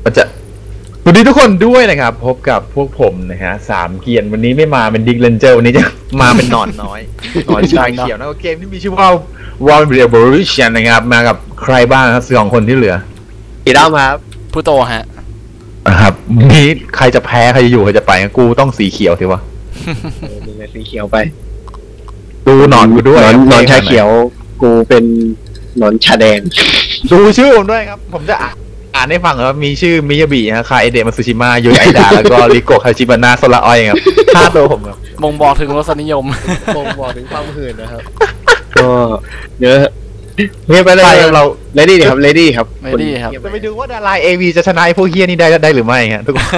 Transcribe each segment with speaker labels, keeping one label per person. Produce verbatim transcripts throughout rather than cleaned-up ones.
Speaker 1: มันจะสวัสดีทุกคนด้วยนะครับพบกับพวกผมนะฮะสามเกียร์วันนี้ไม่มาเป็นดิกเลนเจอร์วันนี้จะมาเป็นหนอนน้อยหนอนชายเขียวนะเกมที่มีชื่อว่า World Revolution นะครับมากับใครบ้างครับสองคนที่เหลือ
Speaker 2: อีด้ามาครับ
Speaker 3: ผู้โตฮะ
Speaker 1: ครับนี้ใครจะแพ้ใครจะอยู่ใครจะไปกูต้องสีเขียวสิวะ
Speaker 2: มึงสีเขียวไป
Speaker 1: ดูหนอนกูด้วย
Speaker 2: หนอนชาเขียวกูเป็นหนอนชาแดง
Speaker 1: ดูชื่อผมด้วยครับผมจะอ่านให้ฟังครับมีชื่อมิยาบินะคาเอเดะมาซูชิมะโยไอดะแล้วก็ริโกะคาชิบานะโซระอ้อยครับห้าตัวผมครับ
Speaker 3: บ่งบอกถึงรสนิยม
Speaker 2: บ่งบอกถึงความหื่นนะครับก็เยอะเฮ้ยไปเลยเราเลดี้ครับเลดี้ครับ
Speaker 3: เลดี้ครับ
Speaker 1: จะไปดูว่าดาราเอวีจะชนะไอ้พวกเฮียนี่ได้ได้หรือไม่ฮะทุกคน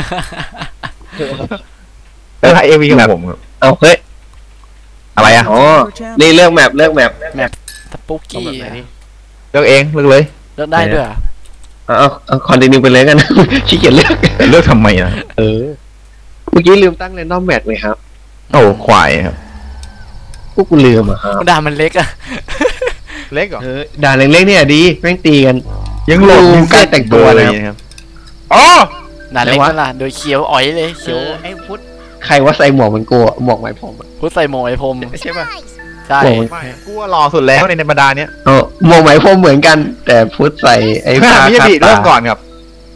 Speaker 1: ดาราเอวีของผมครับ
Speaker 2: เอาเฮ้ย
Speaker 1: อะไรอ่ะ
Speaker 2: อ๋อนี่เลือกแมปเลือกแมป
Speaker 3: แมปสปุกกี้
Speaker 1: เลือกเองเลือกเลย
Speaker 3: เลือกได้ด้วย
Speaker 2: เอาเอาคอนติเนียไปเลยกันขี้เกียจเลือก
Speaker 1: เลือกทำไมนะ
Speaker 2: เออเมื่อกี้ลืมตั้งเรนดอมแมทเลยครับ
Speaker 1: โอ้ควายครับ
Speaker 2: พวกกูลืมอ่ะครับ
Speaker 3: ด่ามันเล็กอ่ะ
Speaker 1: เล็กเหรอ
Speaker 2: เออด่าเล็กๆเนี่ยดีแม่งตีกัน
Speaker 1: ยังหลง
Speaker 2: ใกล้แต่งตัวนะครับ
Speaker 1: อ๋อ
Speaker 3: ด่าเล็กนั่นล่ะโดยเขียวอ๋อยเลยเขียว
Speaker 2: ไอ้พุทธใครว่าใส่หมวกมันกลัวหมวกไหมผม
Speaker 3: พุทธใส่หมวกไหมผม
Speaker 2: ใช่ป่ะ
Speaker 3: ใช่
Speaker 1: กูว่าหล่อสุดแล้วในในบรรดาเนี้ย
Speaker 2: เออหมวกไหมพรมเหมือนกันแต่พุทธใส่ไอ้
Speaker 1: ผ้ามิยาบิเริ่มก่อนครับ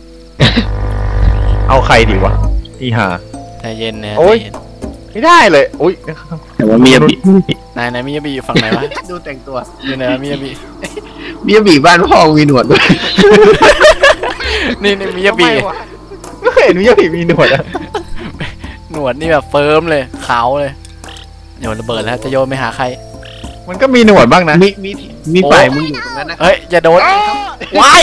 Speaker 1: เอาใครดีวะอีห่า
Speaker 3: ใจเย็นนะ
Speaker 1: โอ้ยไม่ได้เลยอุ้ย
Speaker 2: แต่ว่ามิยาบิ
Speaker 3: นายนายมิยาบิอยู่ฝั่งไหนวะ
Speaker 2: ดูแต่งตัว
Speaker 3: อยู่ไหนมิยาบิ
Speaker 2: มิยาบิบ้านพ่อมีหนวดด้วย
Speaker 3: นี่นี่มิยาบิ
Speaker 1: ไม่เห็นมิยาบิมีหนวดอะ
Speaker 3: หนวดนี่แบบเฟิร์มเลยขาวเลยโยนระเบิดแล้วจะโยนไปหาใคร
Speaker 1: มันก็มีหนวดบ้างนะ
Speaker 2: มีมีมีฝ่ายมึงอยู่ตรงนั้นนะ
Speaker 3: เฮ้ยอย่าโดนวาย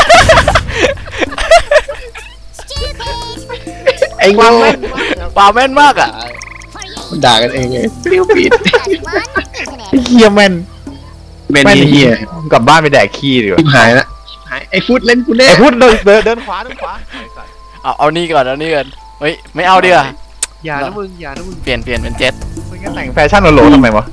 Speaker 2: ไอ้งวง
Speaker 3: ป่าแม่นมากอ่ะ
Speaker 2: ด่ากันเองเลยเปรี้ยวปิด
Speaker 1: เฮียแมน
Speaker 2: แมนเฮีย
Speaker 1: กลับบ้านไปแดกขี้ดีกว่า
Speaker 2: หายละหายไอ้ฟุตเล่นกูแน่
Speaker 1: ไอ้ฟุตเดินเดินเดินขวาเดินขวา
Speaker 3: เอาเอานี่ก่อนเอานี่ก่อนเฮ้ยไม่เอาดีกว่า
Speaker 2: อย่านะมึงอย่านะมึง
Speaker 3: เปลี่ยนเปลี่ยนเป็นเจ็ต
Speaker 1: มึงก็แต่งแฟชั่นโหลทำไมวะ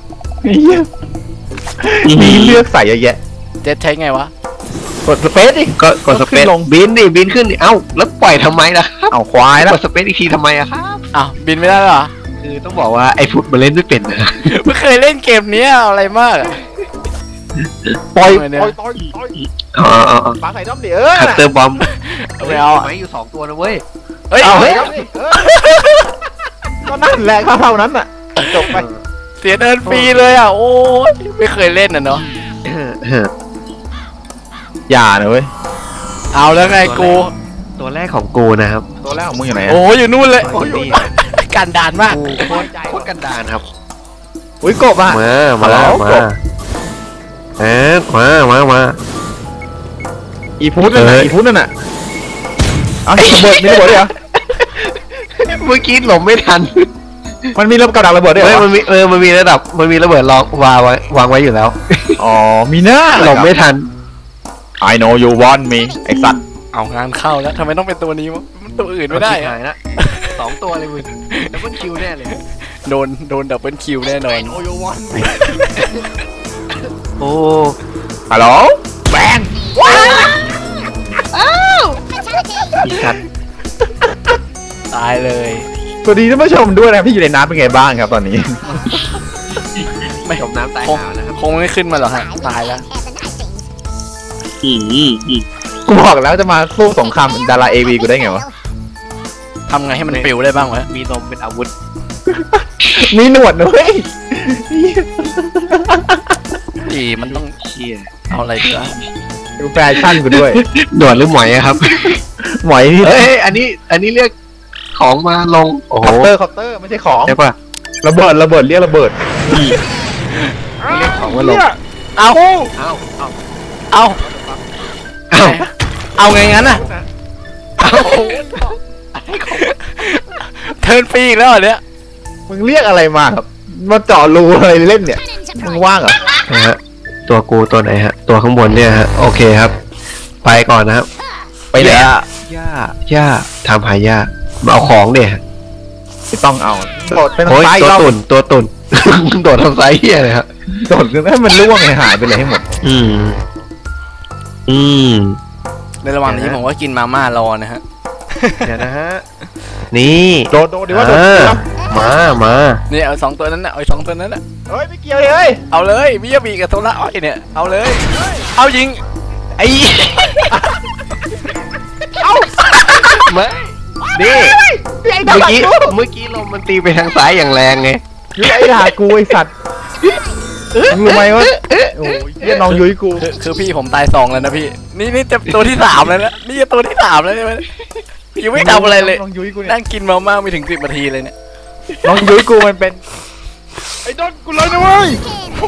Speaker 1: มีเลือกใส่เยอะแยะ
Speaker 3: เจ็ตใช้ไงวะ
Speaker 1: กดสเปซดิ
Speaker 2: ก็กดสเปซลงบินดิบินขึ้นดิเอ้าแล้วปล่อยทำไมล่ะ
Speaker 1: เอาควายแล้ว
Speaker 2: กดสเปซอีกทีทำไมอะครับ
Speaker 3: อ้าวบินไม่ได้หรอ
Speaker 2: คือต้องบอกว่าไอ้ฟุตมาเล่นไม่เป็นนะ
Speaker 3: ไม่เคยเล่นเกมนี้อะไรมาก
Speaker 1: ปล่อยปล่อยปล่อยปล่อย
Speaker 2: อ๋ออ๋อ
Speaker 1: ปาใส่ด้อมดิเออ
Speaker 2: คัตเตอร์บอม
Speaker 3: ไม่เอา
Speaker 2: ไม่อยู่สองตัวนะเว้ย
Speaker 3: เฮ้ย
Speaker 1: เอาเฮ้ยก็นั่นแหละเท่านั้นอ่ะจบไป
Speaker 3: เสียเดินฟรีเลยอ่ะโอ้ยไม่เคยเล่นอ่ะเนาะ
Speaker 1: อย่านะเว้ย
Speaker 3: เอาแล้วไงกู
Speaker 2: ตัวแรกของกูนะครับ
Speaker 1: ตัวแรกของมึงอยู่ไหน
Speaker 3: โอ้อยู่นู่นเลยกันดานมาก
Speaker 2: โคตรกันดานครับ
Speaker 1: อุ้ยกบอ่ะ
Speaker 2: มามามาเอ๊ะมามามา
Speaker 1: อีพุทธนั่นน่ะอีพุทธนั่นน่ะเอาระเบิดมีระเบิดด้วยเหรอ
Speaker 2: เมื่อกี้หลบไม่ทัน
Speaker 1: มันมีระเบิดระเบิดด้วยเหรอ
Speaker 2: มันมีเออมันมีระดับมันมีระเบิดรองวางไว้วางไว้อยู่แล้ว
Speaker 1: อ๋อมีหน้า
Speaker 2: หลบไม่ทัน
Speaker 1: I know you want me ไอ้สัตว์
Speaker 3: เอางานเข้าแล้วทำไมต้องเป็นตัวนี้วะมันตัวอื่นไม่ได้
Speaker 2: อะนะสองตัวเลยมึงดับเบิลคิวแน่เลย
Speaker 3: โดนโดนดับเบิลคิวแน่นอน
Speaker 2: โอ้
Speaker 1: ฮัลโหลแบงว้าว
Speaker 2: อ้าวอีสัตว์
Speaker 3: ตายเลย
Speaker 1: สวัสดีท่านผู้ชมด้วยนะที่อยู่ในน้ำเป็นไงบ้างครับตอนนี้
Speaker 3: ไม่
Speaker 2: จมน้ำตายหาวนะครับ
Speaker 3: คงไม่ขึ้นมาหรอกฮะตายแล้ว
Speaker 2: อืมอืม
Speaker 1: กูบอกแล้วจะมาสู้สงครามดาราเอวีกูได้ไงวะ
Speaker 3: ทำไงให้มันปิวได้บ้างวะ
Speaker 2: มีนมเป็นอาวุธ
Speaker 1: มีหนวดด้วย
Speaker 3: ดีมันต้อง
Speaker 2: เชี่ย
Speaker 3: เอาอะไรดีวะ
Speaker 1: ดูแฟชั่นกูด้วย
Speaker 2: หนวดหรือหมอยครับ
Speaker 1: หมอยนี่
Speaker 2: เฮ้ยอันนี้อันนี้เรียกของมาลง
Speaker 1: โอ้โหเคาน์เตอร์เคาน์เตอร์ไม่ใช่ของ
Speaker 2: ใช่ป่ะ
Speaker 1: ระเบิดระเบิดเรียกระเบิด
Speaker 2: เรียกของมาลง
Speaker 3: เอา
Speaker 2: เอาเอา
Speaker 3: เอาเอาเอาไงงั้นน่ะเทิร์นฟรีอีกแล้วเนี่ย
Speaker 1: มึงเรียกอะไรมาครับมาเจาะรูอะไรเล่นเนี่ยมึงว่างเหรอ
Speaker 2: นะฮะตัวกูตัวไหนฮะตัวข้างบนเนี่ยฮะโอเคครับไปก่อนนะครับ
Speaker 1: ไปไหนอ่ะ
Speaker 2: ย่าย่าทำหายามาเอาของเนี่ย
Speaker 1: ไม่ต้องเอาโดดเป็น
Speaker 2: ไซส์ตัวตุ่นตัวตุ่นโดดทำไซส์เฮียเลยครับ
Speaker 1: โดดให้มันล่วงหายไปเลยให้หมด
Speaker 2: อืมอืม
Speaker 3: ในในระหว่างนี้ผมก็กินมาม่ารอนะฮะ
Speaker 2: เดี๋ยวนะฮะนี่
Speaker 1: โดดโดดดีว่าโดด
Speaker 2: เออ
Speaker 1: ครับ
Speaker 2: มามา
Speaker 3: นี่เอาสองตัวนั้นนะเอาสองตัวนั้นนะ
Speaker 1: เฮ้ยไม่เกี่ยวเลย
Speaker 3: เอาเลยมิยาบิกับโทระอ้อยเนี่ยเอาเลยเอายิงไอ้
Speaker 2: ไม่นี่เมื่อกี้เมื่อกี้ลมมันตีไปทางซ้ายอย่างแรงไง
Speaker 1: ยุ้ยไอ้ด่ากูไอ้สัตว์มึงรู้ไหมว่าโอ้ยเหี้ยน้องยุ้ยกู
Speaker 3: คือคือพี่ผมตายสองแล้วนะพี่นี่นี่จะตัวที่สามแล้วนะนี่จะตัวที่สามแล้วใช่ไหมยังไม่ทำอะไรเลย
Speaker 1: น้องยุ้ยกูเนี่ย
Speaker 3: นั่งกินมาม่าไม่ถึงสิบนาทีเลยเนี่ย
Speaker 1: น้องยุ้ยกูมันเป็นไอ้โดนกูเลยนะเว้ย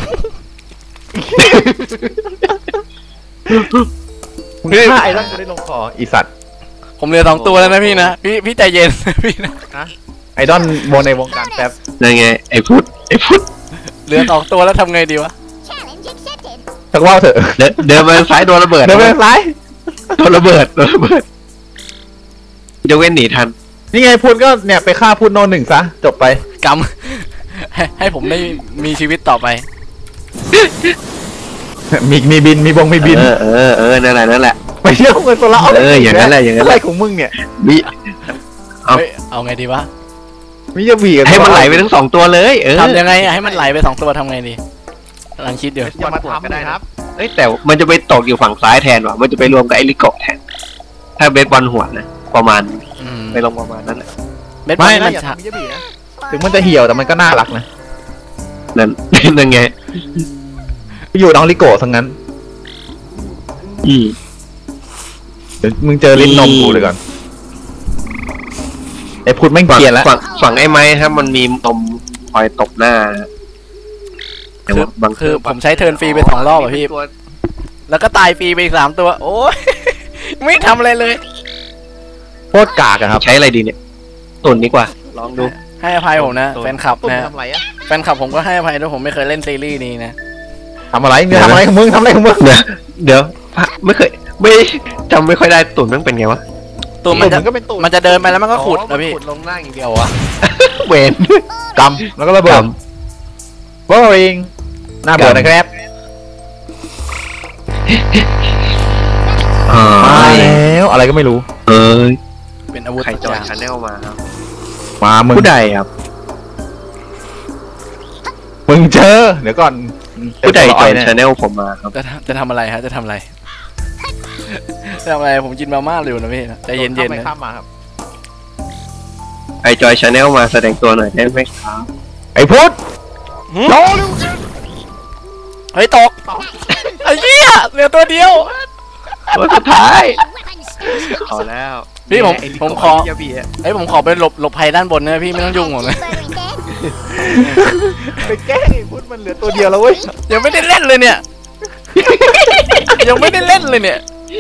Speaker 1: มึงฆ่าไอ้ร่างกูได้ลงคออีสัตว์
Speaker 3: ผมเหลือสองตัวแล้วนะพี่นะพี่พี่ใจเย็น พี่นะ
Speaker 1: ไอดอนโมในวงการแป๊บ
Speaker 2: นั่นไงไอ้พุทธไอ้พุทธ
Speaker 3: เหลือสองตัวแล้วทำไงดีวะ
Speaker 1: สักว่าวเถอะ
Speaker 2: เดินเดินไปทางซ้ายโดนระเบิด
Speaker 1: เดินไปทางซ้าย
Speaker 2: โดนระเบิดโดนระเบิดจะเว้นหนีทัน
Speaker 1: นี่ไงพูดก็เนี่ยไปฆ่าพูดโนหนึ่งซะจบไป
Speaker 3: กำ ให้ให้ผมได้มีชีวิตต่อไป
Speaker 1: มีมีบินมีบงมีบิน
Speaker 2: เออเออเออนั่นแหละนั่นแหละ
Speaker 1: ไปเที่ยวเงินตัวละ
Speaker 2: เอออย่างนั้นแหละอย่างนั้นแหละ
Speaker 1: อะไรของมึงเนี่ย
Speaker 2: มี เอา
Speaker 3: เฮ้ยเอาไงดีวะ
Speaker 1: มีจะบีกัน
Speaker 2: ให้มันไหลไปทั้งสองตัวเลยเออ
Speaker 3: ทำยังไงอะให้มันไหลไปสองตัวทำไงดีกำลังคิดอยู่
Speaker 1: อย่ามาทำนะครับ
Speaker 2: เอ้ยแต่มันจะไปตกอยู่ฝั่งซ้ายแทนว่ะมันจะไปรวมกับไอ้ลิโกะแทนถ้าเบสบอลหัวนะประมาณ
Speaker 3: อืม
Speaker 2: ไปลงประมาณนั้นแหละ
Speaker 3: เบ็ดบอ
Speaker 1: ไม่
Speaker 3: ล
Speaker 1: นะ
Speaker 3: มัน
Speaker 1: อย่า
Speaker 3: ช้า
Speaker 1: ทำมีจะบีนะถึงมันจะเหี่ยวแต่มันก็น่ารักนะ
Speaker 2: นั่น นั่นไง
Speaker 1: ไปอยู่น้องลิโกะทั้งนั้น
Speaker 2: อืม
Speaker 1: เดี๋ยวมึงเจอลิ้นนมกูเลยก่อนไอ้พูดแม่ง
Speaker 2: ฝั่ง
Speaker 1: เกลียนแล้ว
Speaker 2: ฝั่งฝั่งไอ้ไม้ครับมันมีตมคอยตบหน้าแต่
Speaker 3: คือ
Speaker 2: ว่าบาง
Speaker 3: คือผมใช้เทิร์นฟรีไปสองรอบอะพี่
Speaker 2: ตัว
Speaker 3: แล้วก็ตายฟรีไปอีกสามตัว โอ้ย ไม่ทำอะไรเลย
Speaker 1: โคตรกากอะครับ
Speaker 2: ใช้อะไรดีเนี่ยตุ่นดีกว่า ลองดู
Speaker 3: ให้อภัยผมนะ
Speaker 2: ตัว
Speaker 3: แฟนคลับ
Speaker 1: ตุ้ม
Speaker 3: นะ
Speaker 1: ทำอะไรอะ
Speaker 3: แฟนคลับผมก็ให้อภัยด้วยผมไม่เคยเล่นซีรีส์นี้นะ
Speaker 1: ทำอะไรมึงทำอะไรของมึงทำอะไรของมึง
Speaker 2: เดี๋ยวเดี๋ยวไม่เคยไม่จำไม่ค่อยได้ตุ่นมันเป็นไงวะ
Speaker 3: ตัวมันจะ
Speaker 1: ก็เป็นตุ่น
Speaker 3: มันจะเดินไปแล้วมันก็ขุดนะพี่
Speaker 2: ขุดลงล่างอย่างเดียววะ เวน
Speaker 1: กำแล้วก็ระเบิดบอริงหน้าเบื่อนะครับ
Speaker 2: อ่า
Speaker 1: มาแล้วอะไรก็ไม่รู้
Speaker 2: เอ้ย
Speaker 3: เป็นอาวุธ
Speaker 2: ใครจอย
Speaker 3: ต่าง
Speaker 2: ชาแนลมาครับ
Speaker 1: มามึง
Speaker 2: ผู้ใดครับ
Speaker 1: มึงเจอเดี๋ยวก่อน
Speaker 2: ผู้ใดจอย
Speaker 1: เนี่ย
Speaker 2: ชาแนลผมมาครับ
Speaker 3: จะทำจะทำอะไรฮะจะทำอะไร จะทำอะไรผมกินมาม่าอยู่นะพี่ใจเย็นๆ
Speaker 1: ไป
Speaker 3: นะ
Speaker 1: ข้ามมาครับ
Speaker 2: ไอจอยชาแนลมาแสดงตัวหน่อยได้ไหมครับ
Speaker 1: ไอ้พุทธโดน
Speaker 3: เฮ้ยตกไอ้เหี้ยเหลือตัวเดียว
Speaker 2: ตัวสุดท้ายขอแล้ว
Speaker 3: พี่ผม
Speaker 2: ไอ้ลิโกะ
Speaker 3: ผมขอ
Speaker 2: ไยาบีะ
Speaker 3: เฮ้ยผมขอไปหลบหลบภัยด้านบนนะพี่ไม่ต้องยุ่งผมนะ
Speaker 1: ไปแกล้งไอ้พุทธมันเหลือตัวเดียวแล้วเว้ย
Speaker 3: ยังไม่ได้เล่นเลยเนี่ย ยังไม่ได้เล่นเลยเนี่ย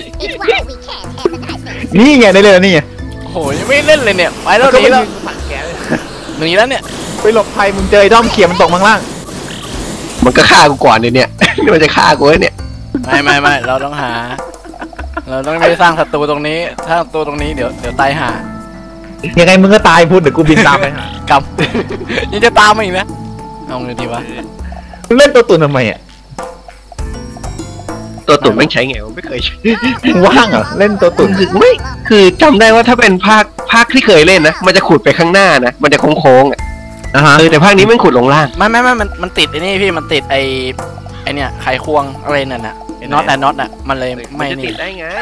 Speaker 1: นี่ไงได้เลยนี่ไง
Speaker 3: โอ้โหยังไม่ได้เล่นเลยเนี่ยไปแล้วหนีแล้ว
Speaker 1: สั่งแกเลย
Speaker 3: หนีแล้วเนี่ย
Speaker 1: ไปหลบภัยมึงเจอไอ้ด้อมเขียมันตกมังล่าง
Speaker 2: มันก็ฆ่ากูก่อนเลยเนี่ย นี่มันจะฆ่ากูแล้วเนี่ย
Speaker 3: ไม่ไม่ไม่เราต้องหา เราต้องไม่สร้างศัตรูตรงนี้ถ้าศัตรูตรงนี้เดี๋ยวเดี๋ยวตายหา
Speaker 1: ยังไงมึงก็ตายพุทธเดี๋ยวกูบินตามไปหาก
Speaker 3: ำ ยังจะตามมาอีกนะเอาไงดีวะ
Speaker 1: มึงเล่นตัวตุ่นทำไมอ่ะ
Speaker 2: ตัวตุ่นไม่งใช้ไงวะไม่เคยใช้
Speaker 1: มึงว่างเหรอเล่นตัวตุ่น
Speaker 2: คือไม่คือจำได้ว่าถ้าเป็นภาคภาคที่เคยเล่นนะมันจะขุดไปข้างหน้านะมันจะโค้งๆอ่ะ
Speaker 1: นะฮะ
Speaker 2: เออแต่ภาคนี้มันขุดลงล่าง
Speaker 3: ไม่ไม่ไม่มันมันติดไอ้นี่พี่มันติดไอ้ไอ้เนี่ยไขควงอะไรนั่นน่ะน็อตแต่น็อตอ่ะมันเลย
Speaker 2: มั
Speaker 3: ไม่
Speaker 2: นจะ
Speaker 3: นี่
Speaker 2: ติดได้ไง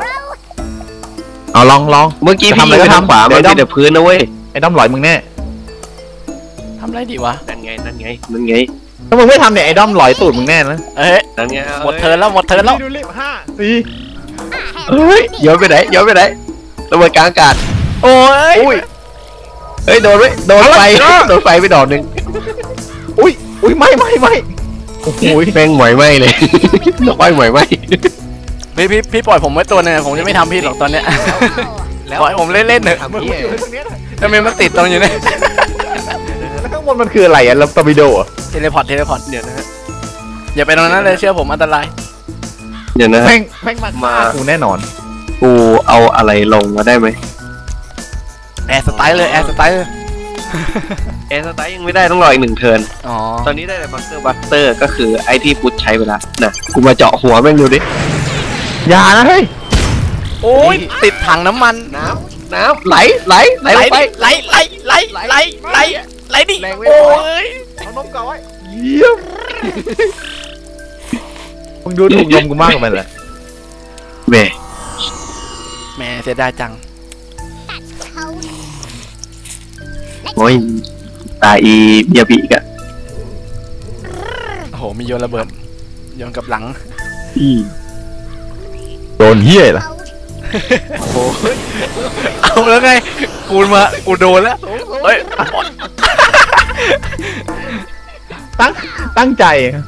Speaker 1: เอาลองลอง
Speaker 2: เมื่อกี้พี่
Speaker 1: ทำอะไร
Speaker 2: ยิงไป
Speaker 1: ก็
Speaker 2: ทาง
Speaker 1: ทำ
Speaker 2: ขวา
Speaker 1: เดี๋
Speaker 2: มัน
Speaker 1: ยว
Speaker 2: มีแต่พื้นนะเว้ย
Speaker 1: ไอ้ด้อมหลอยมึงแน่
Speaker 3: ทำไรดีวะ
Speaker 2: นั่นไงนั่นไงนั่นไง
Speaker 1: ถ้ามึงไม่ทำเนี่ยไอ้ด้อมหลอยตูดมึงแน่นะ
Speaker 3: เอ้ย
Speaker 2: นั่นไง
Speaker 3: หมดเทิร์นแล้วหมดเทิร์นแล้ว
Speaker 1: ดูรีบห้าสี่
Speaker 2: เฮ้ยย้อนไปไหนย้อนไปไหนระเบิดกลางอากาศ
Speaker 3: โอ้ย
Speaker 2: อุ้ยเฮ้ยโดนไว้โดนไฟโดนไฟไปดอกหนึ่ง
Speaker 1: อุ้ยอุ้ยไม่ไม่ไม่โอ้โห
Speaker 2: แม่งหมอยไหมเลยดอกไม้หมอยไหม
Speaker 3: พี่พี่พี่ปล่อยผมไว้ตัวนึงผมจะไม่ทำพี่หรอกตอนเนี้ย
Speaker 2: แล้ว
Speaker 3: ปล่อยผมเล่นเล่นๆเถอะ
Speaker 2: ทำ
Speaker 1: มึง
Speaker 2: เหี้ย
Speaker 1: อยู่ตรงเนี้ย
Speaker 3: ทำไมมันติดตรงอยู่เนี่ย
Speaker 1: แล้วข้างบนมันคืออะไรอ่ะแล้วตอร์ปิโดอ่ะ
Speaker 3: เทเลพอร์ตเทเลพอร์ต
Speaker 2: เดี๋ยวนะฮะ
Speaker 3: อย่าไปตรงนั้นเลยเชื่อผมอันตราย
Speaker 2: เดี๋ยวนะฮะ
Speaker 1: แม่งแม่งมาฆ่ากูแน่นอน
Speaker 2: กูเอาอะไรลงมาได้ไหม
Speaker 3: แอร์สไตล์เลยแอร์สไตล์เลย
Speaker 2: แอร์สไตล์ยังไม่ได้ต้องรออีกหนึ่งเทิร์น
Speaker 3: อ๋อ
Speaker 2: ตอนนี้ได้แต่บัสเตอร์บัสเตอร์ก็คือไอ้ที่พุทธใช้ไปแล้วน่ะกูมาเจาะหัวแม่งดูดิ
Speaker 1: อย่านะเฮ้ย
Speaker 3: โอ้ยติดถังน้ำมัน
Speaker 2: น้ำน้ำไหลไหลไหล
Speaker 3: ไหล
Speaker 2: ลงไป
Speaker 3: ไหลไหลไหลไหลไหลไหลดิ
Speaker 2: แรงไม่
Speaker 3: โอ้
Speaker 2: พอ
Speaker 3: ย
Speaker 2: เอานมก่อนไว้
Speaker 1: เยี่ยมมึงดูถูกนมกูมากกว่ามันแหละ
Speaker 2: เบ้
Speaker 3: แหม่เสียดายจัง
Speaker 2: โอ้ยตาอีเบียบีกอะ
Speaker 3: โอ้โหมีโยนระเบิดโยนกับหลัง
Speaker 2: อืม
Speaker 1: โดนเฮี้ยล่ะ
Speaker 2: โอ้ย
Speaker 3: เอาแล้วไงกูมากูโดนแล้วเฮ้ย
Speaker 1: ตั้งตั้งใจ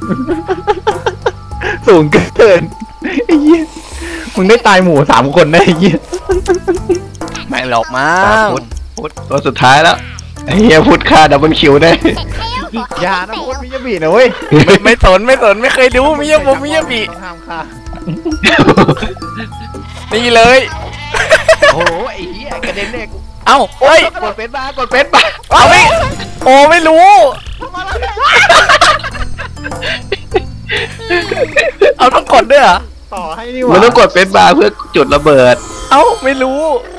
Speaker 1: สูงเกินไอ้เหี้ยมึงได้ตายหมู่สามคนได้ไอ้เหี้ย
Speaker 3: ไม่หลอกมา
Speaker 2: ตาพุทธพุทธตัวสุดท้ายแล้วไอ้เฮียพุทธฆ่าดับเบิลคิวได้
Speaker 1: อย่านะโคตรมิยาบินะเว้ย
Speaker 3: ไม่ไม่สนไม่สนไม่เคยดูมิยาบมิยาบิ
Speaker 1: ต้องห้ามฆ่า
Speaker 3: นี่เลย
Speaker 2: โอ้โหไอ้เฮียกระเด็นเนี่ย
Speaker 3: เอ้าเฮ้ย
Speaker 2: กดเฟซบาร์กดเฟซบาร์
Speaker 3: เอาไม่โอ้ไม่รู้เอาต้องกดด้วยเหรอ
Speaker 1: ต่อให้นี่หว่า
Speaker 2: มันต้องกดเฟซบาร์เพื่อจุดระเบิด
Speaker 3: เอ้าไม่รู้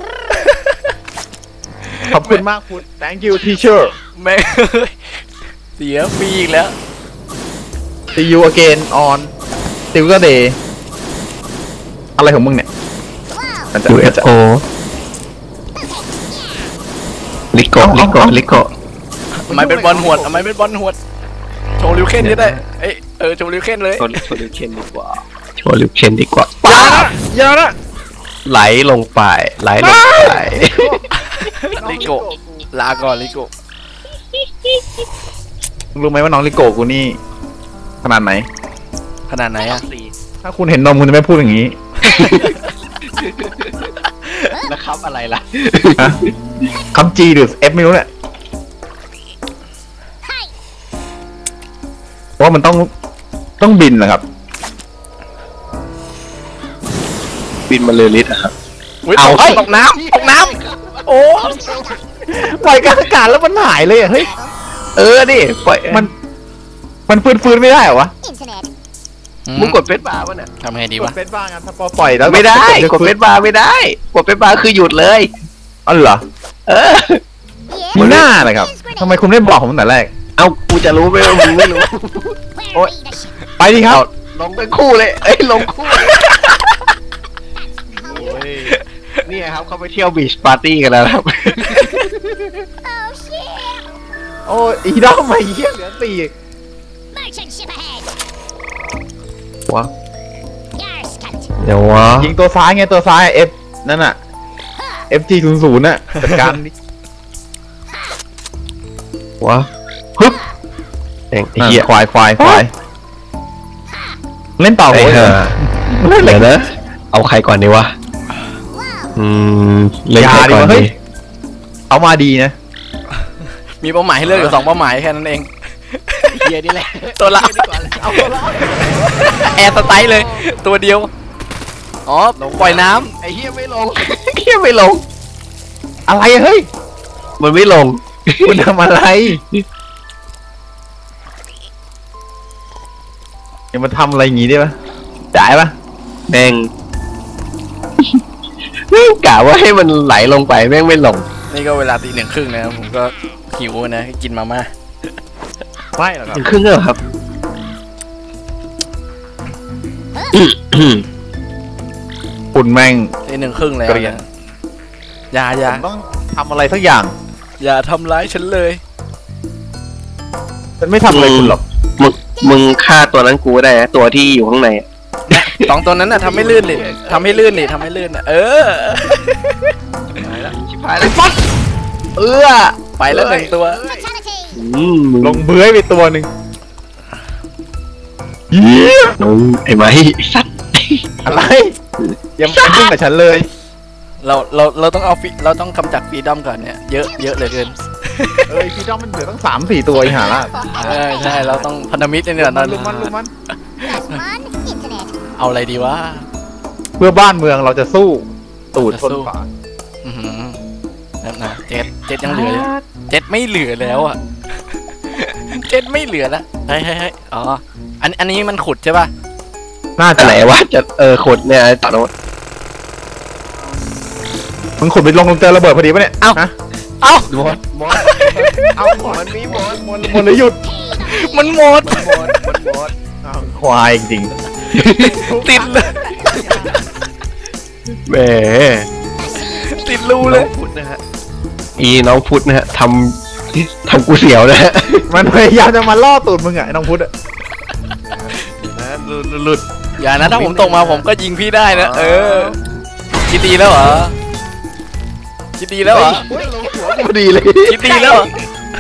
Speaker 1: ขอบคุณมากพุทธ thank you teacher
Speaker 3: แม่งเสียฟรีอีกแล้ว
Speaker 1: see you again on silver day อะไรของมึงเนี่ยมันจะ
Speaker 2: ยูเอฟโอลิโกลิโกลิโก
Speaker 3: ทำไมเป็นบอลหวดทำไมเป็นบอลหวดโชว์ลิวเคนก็ได้เอ้ยเออโชว์ลิวเคนเลย
Speaker 2: โชว์โชว์ลิวเคนดีกว่าโชว์ลิวเคนดีกว่า
Speaker 1: อย่านะอย่านะ
Speaker 2: ไหลลงไปไหลลงไป
Speaker 3: ลิโกลาก่อนลิโก
Speaker 1: มึงรู้ไหมว่าน้องลิโกกูนี่ขนาดไหน
Speaker 3: ขนาดไหนอะ
Speaker 1: ถ้าคุณเห็นนมคุณจะไม่พูดอย่างนี้
Speaker 2: แล้วครับอะไรล่ะ
Speaker 1: ฮะคำ G หรือ F ไม่รู้เนี่ยเพราะว่ามันต้องต้องบินนะครับ
Speaker 2: บินมาเลยลิตรอะครับ
Speaker 3: เอา
Speaker 2: เอา
Speaker 3: ตกน้ำตกน้ำโอ้
Speaker 1: ปล่อยกลางอากาศแล้วมันหายเลยอ่ะเฮ้ย
Speaker 2: เออดิปล่อย
Speaker 1: มันมันฟื้นฟื้นไม่ได้เหรอวะ
Speaker 2: มึงกดเฟซบาร์ป่ะเนี่ย
Speaker 3: ทำไงดี
Speaker 1: ก
Speaker 3: วะ
Speaker 1: ดเฟซบ้างอ่ะถ้าพอปล่อยแล้ว
Speaker 2: ไม่ได้กดเฟ
Speaker 1: ฟื้
Speaker 2: ซบาร์ไม่ได้กดเฟซบาร์คือหยุดเลย
Speaker 1: อ๋อเหรอ
Speaker 2: เออ
Speaker 1: มีหน้านะครับทำไมคุณไม่บอกผมตั้งแต่แรก
Speaker 2: เอากูจะรู้ไหมว่ามึงไม่รู้
Speaker 1: โอ๊ย ไปดิครับ
Speaker 2: ลงเป็นคู่เลยเอ้ยลงคู่เลยโอ้ยนี่ครับเขาไปเที่ยวบีชปาร์ตี้กันแล้วครับ
Speaker 1: โอ้ยอีดอมมาเยี่ยเหลือสี่ วะ
Speaker 2: เดี๋ยววะ
Speaker 1: ยิงตัวซ้ายไงตัวซ้าย F นั่นน่ะ เอฟ จี ศูนย์ ศูนย์น่ะจัดการดิ
Speaker 2: วะฮึบเองไอ้
Speaker 1: นั่น
Speaker 2: เหี้ย
Speaker 1: ควายควายควายเล่นต่อ
Speaker 2: ไอ้
Speaker 1: โว้ย
Speaker 2: ห่า
Speaker 1: เล่นเหล็
Speaker 2: เดี๋
Speaker 1: ก
Speaker 2: ยวนะ เอาใครก่อนดีวะ อืม เล่น
Speaker 1: อย่า
Speaker 2: ใคร
Speaker 1: ดิ
Speaker 2: ก่อน
Speaker 1: วะเฮ้
Speaker 2: ดี
Speaker 1: ยเอามาดีนะ
Speaker 3: มีเป้าหมายให้เลือกอยู่สองเป้าหมายแค่นั้นเอง
Speaker 2: เฮียนี่แหละ
Speaker 3: ตัวละ
Speaker 2: เอาตัวละ
Speaker 3: แอร์สไตล์เลย ตัวเดียว อ๋อ ปล่อยน้
Speaker 2: ไอ้เฮียไม่ลง เฮียไม่ลง
Speaker 1: อะไรอะเฮ้ย
Speaker 2: มันไม่ลง
Speaker 1: คุณทำอะไรอย่ามาทำอะไรอย่างงี้ได้ปะได้ปะ
Speaker 2: แม่งแม่งกะว่าให้มันไหลลงไปแม่งไม่ลง
Speaker 3: ำนี่ก็เวลาตีหนึ่งครึ่งนะครับผมก็หิวนะกินมาม่า
Speaker 1: ไม่หรอกครับ
Speaker 2: ถึงครึ่งแล้วเหรอครับ
Speaker 1: คุณแม่ง
Speaker 3: ตีหนึ่งครึ่งแล้ว
Speaker 1: เกรียน
Speaker 3: นะอย่าอย่า
Speaker 1: ผมต้องทำอะไรสักอย่าง
Speaker 3: อย่าทำร้ายฉันเลย
Speaker 1: ฉันไม่ทำอะไรคุณหรอก
Speaker 2: มึงมึงฆ่าตัวนั้นกูได้นะตัวที่อยู่ข้างในอะ
Speaker 3: สองตัวนั้นน่ะทำให้ลื่นดิทำให้ลื่นดิทำให้ลื่นน่ะเออ
Speaker 2: ชิบหายแล้วฟัดเออ
Speaker 3: ไปแล้วหนึ่งตัว
Speaker 2: อืมมึง
Speaker 1: ลงเบื้อยไปตัวหนึ่งเยี่ย
Speaker 2: มึงไอ้ไม้ไอ้สัตว์
Speaker 1: อะไรอย่ามายุ่งกับฉันเลย
Speaker 3: เราเราเราต้องเอาฟิเราต้องกำจัดฟรีดอมก่อนเนี่ยเยอะเยอะเหลือเกิน
Speaker 1: เอ้ยพี่จ้องมันเหลือตั้งสามสี่ตัวอีหาละ
Speaker 3: ใช่ใช่เราต้องพันธมิตรเนี่ยตอน
Speaker 1: ลุมมันลุมมัน
Speaker 3: เอาอะไรดีวะ
Speaker 1: เพื่อบ้านเมืองเราจะสู้ตูดชนฝา
Speaker 3: อือหือนั่นนะเจ็ดเจ็ดยังเหลืออยู่เจ็ดไม่เหลือแล้วอ่ะ เจ็ดไม่เหลือแล้วเฮ้ยเฮ้ยเฮ้ยอ๋ออันอันนี้มันขุดใช่ป่ะ
Speaker 1: น่า
Speaker 2: อั
Speaker 1: จะ
Speaker 2: นไหนวะจะเออขดเนี่ยตัดโน้ต
Speaker 1: มึงขุดไปลงเจอระเบิดพอดีปะเนี่ย
Speaker 3: เอ้า
Speaker 1: ฮะ
Speaker 3: เอ้า
Speaker 2: หมดหมดเอาหมดมันมีหมดหมด
Speaker 1: หมดเลยหยุด
Speaker 3: มันหมด
Speaker 2: หมดมันหมด
Speaker 1: ควายจริง
Speaker 3: ติดเลย
Speaker 2: แหม
Speaker 3: ติดรูเล
Speaker 2: น้อย งพุทธนะฮะอีน้องพุทธนะฮะทำทำกูเสียวนะฮะ
Speaker 1: ๆมันพยายามจะมาล่อตูดมึงอะไอ้น้องพุทธอะ
Speaker 2: นะหลุดหลุด
Speaker 3: อย่านะถ้าผมตกมาผมก็ยิงพี่ได้นะเออคิดดีแล้วเหรอคิดดีแล้วเหรอ
Speaker 1: พอดีเลย
Speaker 3: คิดดีแล้วเหรอ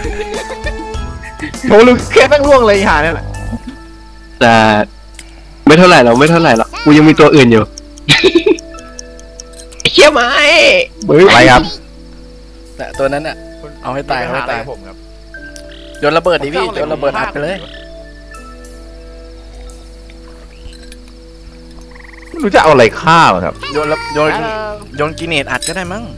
Speaker 1: โถลึกแค่แม่งล่วงเลยไอ้ห่าเนี่ยแหละ
Speaker 2: แต่ไม่เท่าไหร่หรอกไม่เท่าไหร่หรอกกูยังมีตัวอื่นอยู่เชี่ยไหม
Speaker 1: อะไรครับ
Speaker 3: แต่ตัวนั้นอะเอาให้ตายเอาให้ตาย
Speaker 1: ผมครับ
Speaker 3: โยนระเบิดดิพี่โยนระเบิดอัดไปเลย
Speaker 1: ไม่รู้จะเอาอะไรฆ่าหรอครับ
Speaker 3: โยนระโยนโยนกินเนตอัดก็ได้มั้ง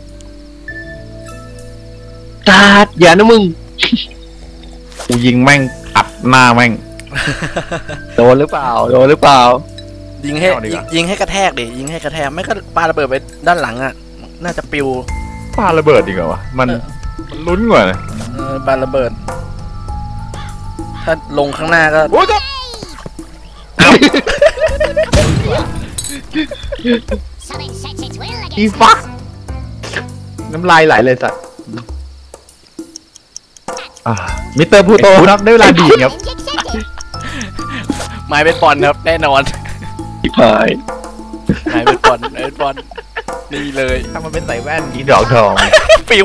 Speaker 2: ตาดอย่านะมึง
Speaker 1: กูยิงแม่งอัดหน้าแม่ง
Speaker 2: โดนหรือเปล่าโดนหรือเปล่า
Speaker 3: ยิงให้
Speaker 1: เอาดีก
Speaker 3: ยิง
Speaker 1: ว่า
Speaker 3: ยิงให้กระแทกดิยิงให้กระแทกไม่ก็ปาระเบิดไปด้านหลังอะน่าจะปิว
Speaker 1: ปาระเบิดดีกว่าวะมัน
Speaker 3: เออ
Speaker 1: มันลุ้นกว่านะ
Speaker 3: เออปาระเบิด ถ้าลงข้างหน้าก็
Speaker 1: โอ้ยจะ
Speaker 4: Something sets its will
Speaker 1: อี
Speaker 4: against
Speaker 1: ฟักน้ำลายไหลเลยสัตว์อ่ามิสเตอร์พูโตครับได้เวลาดีดครับ
Speaker 4: challenge accepted.
Speaker 3: ไม้เป็นบอลครับแน่นอน
Speaker 2: ที่พาย
Speaker 3: ไม้เป็นบอลไม้เป็นบอลนี่เลย
Speaker 1: ถ้ามันเป็นใส่แว่นอีดอกทอง
Speaker 3: ปิว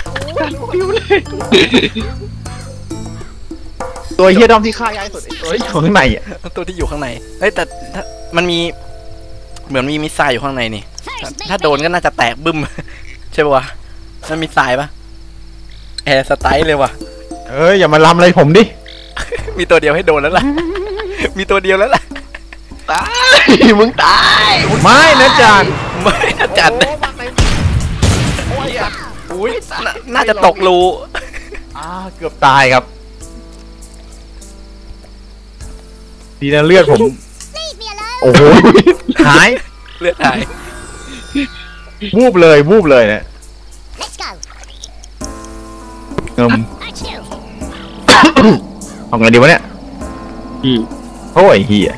Speaker 1: ตัวเฮียดอมที่ฆ่ายายสุดไอ้ตัวที่อยู่ข้างในอ่ะ
Speaker 3: ตัวที่อยู่ข้างในเฮ้ยแต่ถ้ามันมีเหมือนมีมิสไซล์อยู่ข้างในนี่ ถ้า
Speaker 4: First,
Speaker 3: ถ้า
Speaker 4: make
Speaker 3: โดนก็น่าจะแตกบึ้ม ใช่ปะวะมันมีสายปะแอร์สไตล์เลยว่ะ
Speaker 1: เอ้ยอย่ามาลำอะไรผมดิ
Speaker 3: มีตัวเดียวให้โดนแล้วล่ะ มีตัวเดียวแล้วล่ะ
Speaker 2: ตายมึงตาย
Speaker 1: ไม่นะจาน
Speaker 3: ไม่น่าจัดนะอุ้ยน่าน่าจะตกรู
Speaker 1: อ่าเกือบตายครับดีนะเลือดผม
Speaker 4: leave me alone.
Speaker 1: โอ้โหหาย
Speaker 3: เลือดหาย
Speaker 1: วูบเลยวูบเลยเนี่ย
Speaker 4: Let's go.
Speaker 1: เงิม
Speaker 4: That's you.
Speaker 1: เอาไงดีวะเนี่ย
Speaker 2: อืม
Speaker 1: โอ้ยเฮีย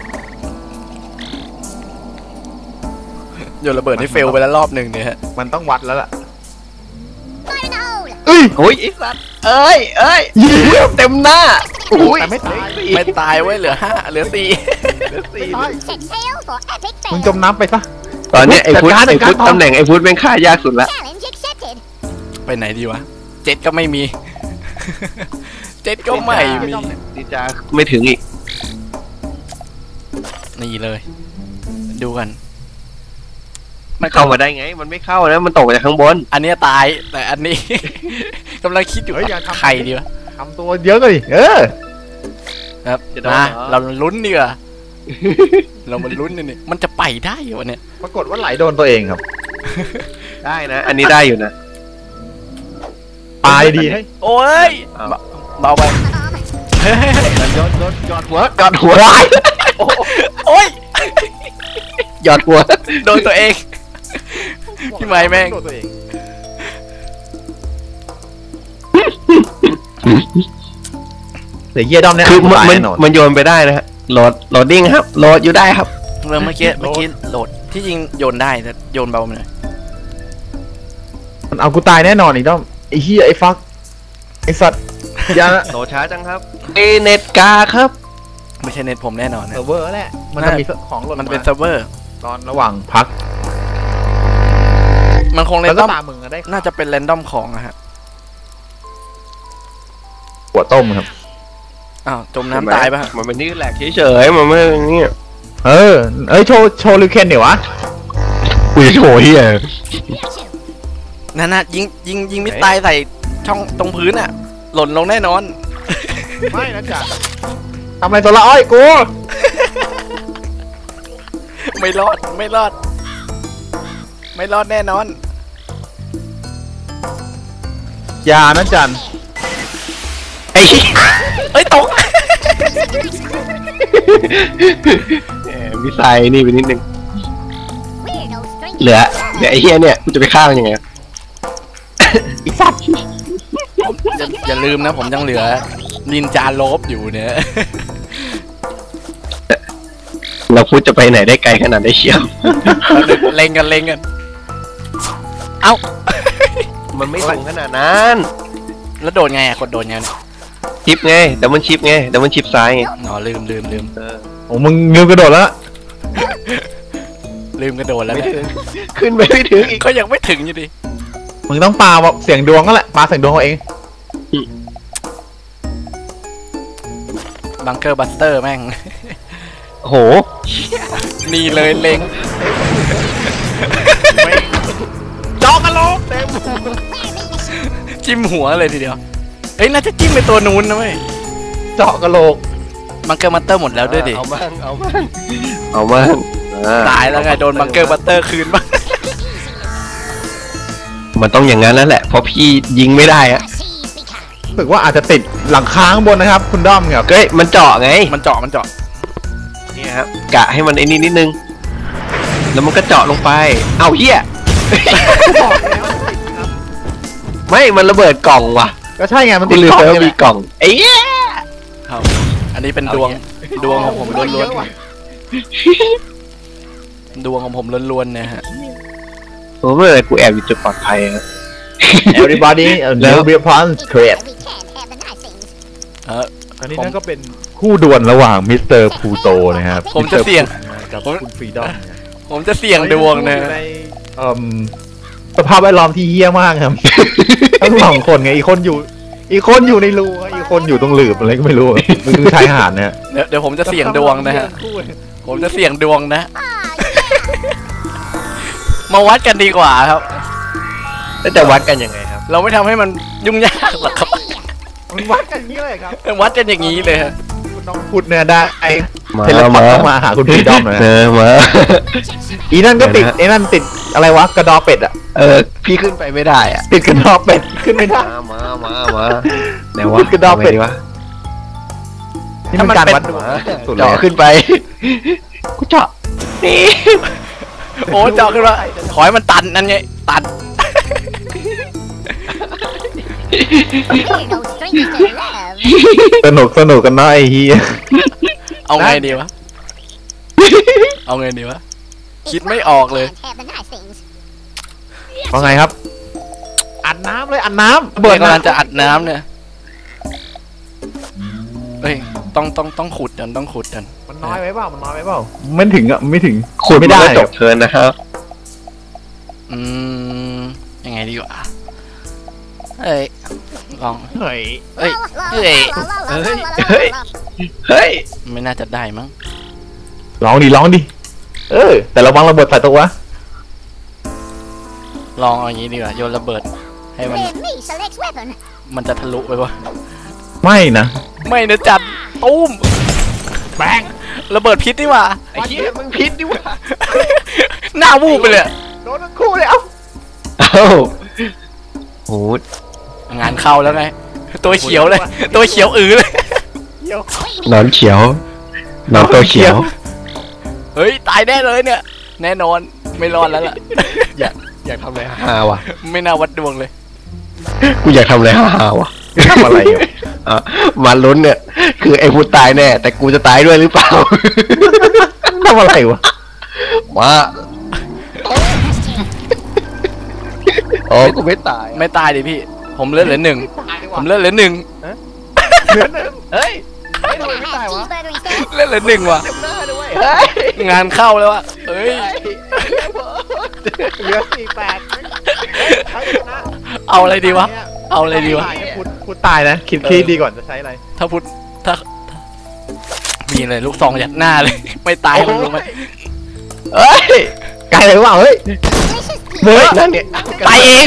Speaker 3: โยนระเบิดให้เฟลไปแล้วรอบหนึ่งเนี่ยฮะ
Speaker 1: มันต้องวัดแล้วล่ะ
Speaker 4: Fire in the hole.
Speaker 1: เอ้ย
Speaker 2: โอ้ยไอ้สัตว์เอ้ยเอ้ยเต็มหน้าอุ้ย
Speaker 1: แต่ไม่ตาย
Speaker 3: ไม่ตายไว้ยเหลือห้าเหลือสี่
Speaker 1: ไม่ตาย
Speaker 4: Set sail for epic
Speaker 1: มึง
Speaker 4: fail.
Speaker 1: จมน้ำไปซะ
Speaker 2: ตอนเนี้ยไอ้พุทธ
Speaker 1: จัดการ
Speaker 2: ไอ้พุทธ
Speaker 1: จัดการ
Speaker 2: ตำแหน่งไอ้พุทธแม่งฆ่ายากสุดละ
Speaker 4: Challenge accepted.
Speaker 3: ไปไหนดีวะ เจ็ดก็ไม่มี เจ็ดก็ไม่มี
Speaker 2: ดีจ้าไม่ถึงอีก
Speaker 3: นี่เลย ดูกัน
Speaker 2: มันเข้ามาได้ไง มันไม่เข้านะมันตกมาจากข้างบน
Speaker 3: อันเนี้ยตาย แต่อันนี้ กำลังคิดอยู่
Speaker 1: เฮ้ยอย่าทำ
Speaker 3: ใครดีวะ
Speaker 1: ทำตัวเยอะเลยเออ
Speaker 3: ครับ
Speaker 2: จะโดน
Speaker 3: มา
Speaker 2: เหรอ
Speaker 3: เราลุ้นดีกว่า เรามาลุ้นนี่มันจะไปได้เหรอวะเนี่ย
Speaker 1: ปรากฏว่าไหลโดนตัวเองครับ
Speaker 2: ได้นะ อันนี้ได้อยู่นะ
Speaker 1: ตายดีให้
Speaker 3: โอ้ย
Speaker 2: อ้าว
Speaker 3: เบาไป
Speaker 4: Bomb.
Speaker 3: เฮ้ย
Speaker 2: ยอดยอดยอดหัวยอดหัว
Speaker 3: โอ้ย
Speaker 2: ยอดหัว
Speaker 3: โดนตัวเอง พี่ไม้แม่ง
Speaker 1: โดนตัวเองเดี๋ยวเยี่ยดอมเนี่ย
Speaker 2: คือมัน
Speaker 1: ตาย
Speaker 2: มัน
Speaker 1: แน่นอน
Speaker 2: มันโยนไปได้นะฮะโหลดโหลดดิ้งครับโหลดอยู่ได้ครับ
Speaker 3: เมื่อเมื่อกี้เมื่อกี้โหลดที่จริงโยนได้แต่โยนเบาไปหน่อย
Speaker 1: มันเอากูตายแน่นอนอีกดอมไอ้เฮียไอ้ฟักไอ้สัตว์อย่านะ
Speaker 2: โหลดช้าจังครับเอเน็ตกาครับ
Speaker 3: ไม่ใช่เน็ตผมแน่นอนนะ
Speaker 1: เซิร์ฟเวอร์แหละมันจะมีของหล่น
Speaker 3: มันเป็น
Speaker 1: มา
Speaker 3: เซิร์ฟเวอร์
Speaker 1: ตอนระหว่างพัก
Speaker 3: มันคงเร
Speaker 1: แล้ว
Speaker 3: น
Speaker 1: ก็
Speaker 3: ดอม
Speaker 1: ตามมึงอะได้
Speaker 3: น่าจะเป็นเรนดอมของอะฮะ
Speaker 1: หัวต้มครับ
Speaker 3: อ้าวจมน้ำตายปะฮะ
Speaker 2: มันเป็นนี่แหลกเฉยๆมันไม่นี่
Speaker 1: เออเอ้ยโชว์โชว์ลิวเคนเดี๋ยววะ
Speaker 2: กูจะโชว์เฮีย
Speaker 3: นั่นน่ะยิงยิงยิงมิสไซล์ใส่ช่องตรงพื้นอะหล่นลงแน่นอน
Speaker 1: ไม่นะจ๊ะทำอะไรตัวละอ้อยกู
Speaker 3: ไม่รอดไม่รอด ไม่รอดแน่นอน
Speaker 1: อย่านะจัน
Speaker 2: ไอ้
Speaker 3: เอ้ยตก
Speaker 2: แหมมีไซนี่ไปนิดนึง
Speaker 4: We're no strangers
Speaker 2: เหลือเหลือไอ้เฮียเนี่ยกูจะไปฆ่ามันยังไง
Speaker 1: ไอ้สัตว์
Speaker 3: อย่าอย่าลืมนะผมยังเหลือนินจาโลบอยู่เนี่ย
Speaker 2: เราพูดจะไปไหนได้ไกลขนาดได้เชียว
Speaker 3: เล็งกันเล็งกันเอ้า
Speaker 2: มันไม่สูงขนาดนั้น
Speaker 3: แล้วโดนไงอะกดโดนไง
Speaker 2: ชิปไงแต่มันชิปไงแต่มันชิปซ้ายไง
Speaker 3: อ๋อลืมลืมลืม
Speaker 1: โอ้มึงลืมกระโดดแล้ว
Speaker 3: ลืมกระโดดแล้ว
Speaker 2: ไม่
Speaker 3: นะ
Speaker 2: ถึงขึ้นไปไม่ถึงอีก
Speaker 3: ก็ยังไม่ถึงอยู่ดิ
Speaker 1: มึงต้องปาเสียงดวงก็แหละปาเสียงดวงเอาเอง
Speaker 3: บังเกอร์บัสเตอร์แม่ง
Speaker 2: โห
Speaker 3: นี่เลยเล็ง
Speaker 1: จอกกันโลกเต็ม
Speaker 3: จิ้มหัวเลยทีเดียวเอ้ยน่าจะจิ้มไปตัวนู้นนะเว้ย
Speaker 1: เจาะกระโหลก
Speaker 3: บังเกอร์บัสเตอร์หมดแล้วด้วยดิ
Speaker 2: เอามั่งเอามั่งเอามั่งอ่
Speaker 3: ตายแล้วไงโดนบังเกอร์บัสเตอร์คืนบ้าง
Speaker 2: มันต้องอย่างนั้นแล้วแหละเพราะพี่ยิงไม่ได้อะ
Speaker 1: รู้สึกว่าอาจจะติดหลังคาข้างบนนะครับ คุณด้อมครับ
Speaker 2: เฮ้ยมันเจาะไง
Speaker 3: มันเจาะมันเจาะ
Speaker 2: เนี่ยครับกะให้มันไอ้นี่นิดนึงแล้วมันก็เจาะลงไปเอาเฮียไม่มันระเบิดกล่องว่ะ
Speaker 1: ก็ใช่ไงมัน
Speaker 2: กู
Speaker 1: ติด
Speaker 2: ลืม
Speaker 1: กล้อง
Speaker 2: ไปว่า
Speaker 1: นี่แห
Speaker 2: มี
Speaker 1: ละ
Speaker 2: กล่องไอ้เหี้ย
Speaker 3: ครับอันนี้เป็นดวงดวงของผมล้วนๆดวงของผมล้วนๆนะฮะ
Speaker 2: โอ้เมื่อไหร่กูแอบอยู่จุดปลอดภัยอะ
Speaker 1: everybody
Speaker 2: แล้
Speaker 1: แล้ว
Speaker 2: ว
Speaker 1: เบียร์พอนส์เครด
Speaker 3: เออ
Speaker 1: อันนี้นั่นก็เป็นคู่ดวลระหว่างมิสเตอร์พูโตนะครับ
Speaker 3: ผมจะเสี่ยง
Speaker 1: กับคุณฟรีดอม
Speaker 3: ผมจะเสี่ยงดวงนะ
Speaker 1: ในเอ่อสภาพแวดล้อมที่เหี้ยมากครับ ทั้งสองคนไงอีกคนอยู่ อีกคนอยู่ในรูอีกคนอยู่ตรงหลืบอะไรก็ไม่รู้มันคือชายหาดนะฮะ
Speaker 3: เดี๋ยวเดี๋ยวผมจะเสี่ยงดวงนะฮะผมจะเสี่ยงดวงนะ มาวัดกันดีกว่าครับ
Speaker 2: แล้วจะวัดกันยังไงครับ
Speaker 3: เราไม่ทำให้มันยุ่งยากหรอกครับ
Speaker 1: มันวัดกันอย่างนี้เลยครับ
Speaker 3: วัดกันอย่างนี้เลยฮะ
Speaker 1: คุณน้องพูดเนี่ยได้ไอ้
Speaker 2: มา
Speaker 1: เทเลพอร์ต
Speaker 2: มา
Speaker 1: ต้องมาหาคุณฟรีดอมหน่อย
Speaker 2: เอ
Speaker 1: นะ
Speaker 2: อมา
Speaker 1: อีนั่นก็ติด
Speaker 2: เดี๋ยวนะ
Speaker 1: ไอ้นั่นติดอะไรวะกระดอเป็ดอะ
Speaker 2: เออพี่ขึ้นไปไม่ได้อะ
Speaker 1: ติดกระดอเป็ดขึ้นไม่ได้
Speaker 2: มามามามาไหนวะ
Speaker 1: ขึ้นกระดอกเป็ด
Speaker 2: าไงวะ
Speaker 1: นี่มันการวัดดวง
Speaker 2: มา
Speaker 1: สุดเลย
Speaker 2: เจาะขึ้นไปกูเจาะนี่
Speaker 3: โอ้เจาะขึ้นมาขอให้มันตันนั่นไงตัน
Speaker 1: สนุกสนุกกันเนาะไอ้เฮีย
Speaker 3: เอาไงดีวะ เอาไงดีวะ คิดไม่ออกเลย
Speaker 1: ว่าไงครับ อัดน้ำเลยอัดน้ำ
Speaker 3: เบิ
Speaker 1: เบิ
Speaker 3: ร์
Speaker 1: ด
Speaker 3: กำลังจะอัดน้ำเนี่ยเฮ้ยต้องต้องต้องขุดกันต้องขุดกัน
Speaker 1: มันน้อยไว้เปล่ามันน้อยไว้เปล่าไม่ถึงอ่ะไม่ถึง
Speaker 2: ขุด
Speaker 1: ไม่
Speaker 2: ไม่
Speaker 1: ได้
Speaker 2: ได้จบเทิร์นนะครับ
Speaker 3: อืมยังไงดีวะเฮ้ยลอง
Speaker 1: เฮ้ย
Speaker 3: เฮ้ยเฮ้ย
Speaker 2: เฮ้ยเฮ้ย
Speaker 3: ไม่น่าจะได้มั้ง
Speaker 1: ร้องดิร้องดิเออแต่ระวังระเบิดใส่ตัววะ
Speaker 3: ลองเอาอย่างนี้ดีกว่าโยนระเบิด ให้มันมันจะทะลุไปวะ
Speaker 1: ไม่นะ
Speaker 3: ไม่นะจัดตุ้ม
Speaker 1: แบง
Speaker 3: ระเบิดพิษนี่หว่า
Speaker 2: ไอ้เหี้ยมึงพิษดิวะ
Speaker 3: หน้าวูบไปเลย
Speaker 1: โดนทั้งคู่เลยเอ้า
Speaker 2: เอ้าโห
Speaker 3: งานเข้าแล้วไง ตัวเขียวเลย ตัวเขียวอือเลย
Speaker 1: เดี๋ยวน
Speaker 2: อนเขียว นอนตัวเขียว
Speaker 3: เฮ้ยตายแน่เลยเนี่ย แน่นอนไม่รอดแล้วล่ะ
Speaker 2: อยากอยากทำอะไรฮาวะ
Speaker 3: ไม่น่าวัดดวงเลย
Speaker 2: กูอยากทำอะไรฮาวะ
Speaker 1: ทำอะไรอยู่
Speaker 2: อ่ะมาลุ้นเนี่ย คือไอ้พูดตายแน่ แต่กูจะตายด้วยหรือเปล่า
Speaker 1: ทำอะไรวะ
Speaker 2: มาโอ้กูไม่ตาย
Speaker 3: ไม่ตายดิพี่ ผมเลือดเหลือหนึ่งผมเลือดเหลือหนึ่ง
Speaker 1: เหลือหนึ่ง
Speaker 2: เฮ้ย
Speaker 3: เลือดเหลือหนึ่งว่ะ
Speaker 2: เต็มหน้าด้วยเฮ้ย
Speaker 3: งานเข้าแล้วว่ะเฮ้ย
Speaker 1: เหลือสี่แปด
Speaker 3: เอาอะไรดีวะ เอาอะไรดีวะ
Speaker 1: พูดพูดตายนะคิดคิดดีก่อนจะใช้อะไร
Speaker 3: ถ้าพุทธถ้าถ้ามีเลยลูกซองยัดหน้าเลย ไม่ตายมันรู้ไหม
Speaker 2: เฮ้ย
Speaker 1: ไกลเลยว่าเฮ้ย
Speaker 2: เฮ้ยนั่นเนี่ย
Speaker 3: ตายเอง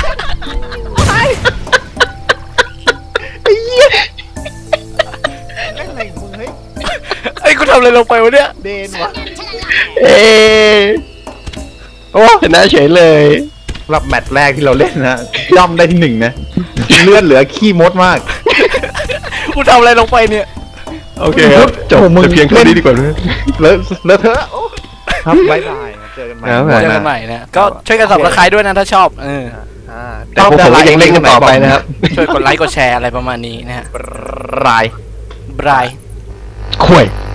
Speaker 1: ไอ้เหี้ยเล่นอะไรมึงเฮ้ย
Speaker 3: ไอ้ยกูทำอะไรลงไปวะเนี่ย
Speaker 1: เดนวะ
Speaker 2: เอ๊ะโอ้ชนะเฉยเลย
Speaker 1: สำหรับแมตช์แรกที่เราเล่นนะย่อมได้ที่หนึ่งนะเลือดเหลือขี้มดมาก
Speaker 3: กูทำอะไรลงไปเนี่ย
Speaker 2: โอเคครับจบ
Speaker 1: โอ้มึง
Speaker 2: แต่เพียงเท่านี้ดีกว่านะ
Speaker 1: เลอะเลอะเทอะโอ้ครับบ๊ายบายเจอกันใหม่
Speaker 2: ครับ
Speaker 3: เจอกันใหม่นะก็ช่วยกันสับสไครด้วยนะถ้าชอบเออ
Speaker 2: อ่าแต่พวกผมก็ยังเล่นกันต่อไปนะครับ
Speaker 3: ช่วยกดไลค์กดแชร์อะไรประมาณนี้นะฮะ
Speaker 1: ราย
Speaker 3: บราย
Speaker 2: ข่วย
Speaker 3: บ